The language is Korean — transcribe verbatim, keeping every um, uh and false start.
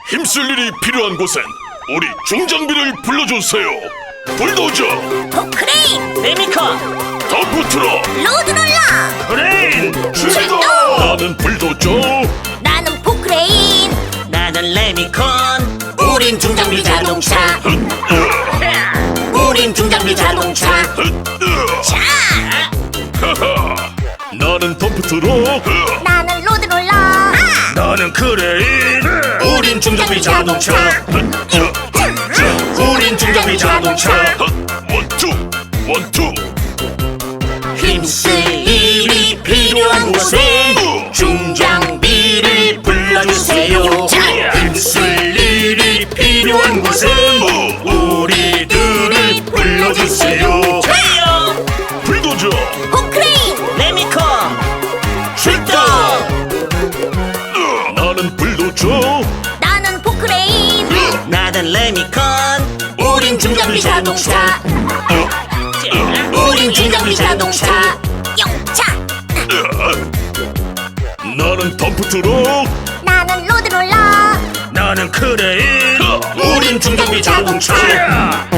힘쓸 일이 필요한 곳엔 우리 중장비를 불러주세요. 불도저, 포크레인, 레미콘, 덤프트럭, 로드롤러, 브레인. 출동! 나는 불도저. 나는 포크레인. 나는 레미콘. 우린 중장비 자동차. 우린 중장비 자동차. 자, 나는 덤프트럭. 나는 로드롤러. 나는 크레인. 우린 중장비 자동차. 우린 중장비 자동차. 원투, 원투. 힘쓸 일이 필요한 곳엔 중장비를 불러주세요. 힘쓸 일이 필요한 곳엔 우리들을 불러주세요. 좋아요. 불도저, 포크레인, 레미콘, 출동! 나는 불도저. 나는 포크레인. 나는 레미콘. 우린 중장비 자동차. 우린 중장비 자동차. 영차. 나는 덤프트럭. 나는 로드롤러. 나는 크레인. 우린 중장비 자동차.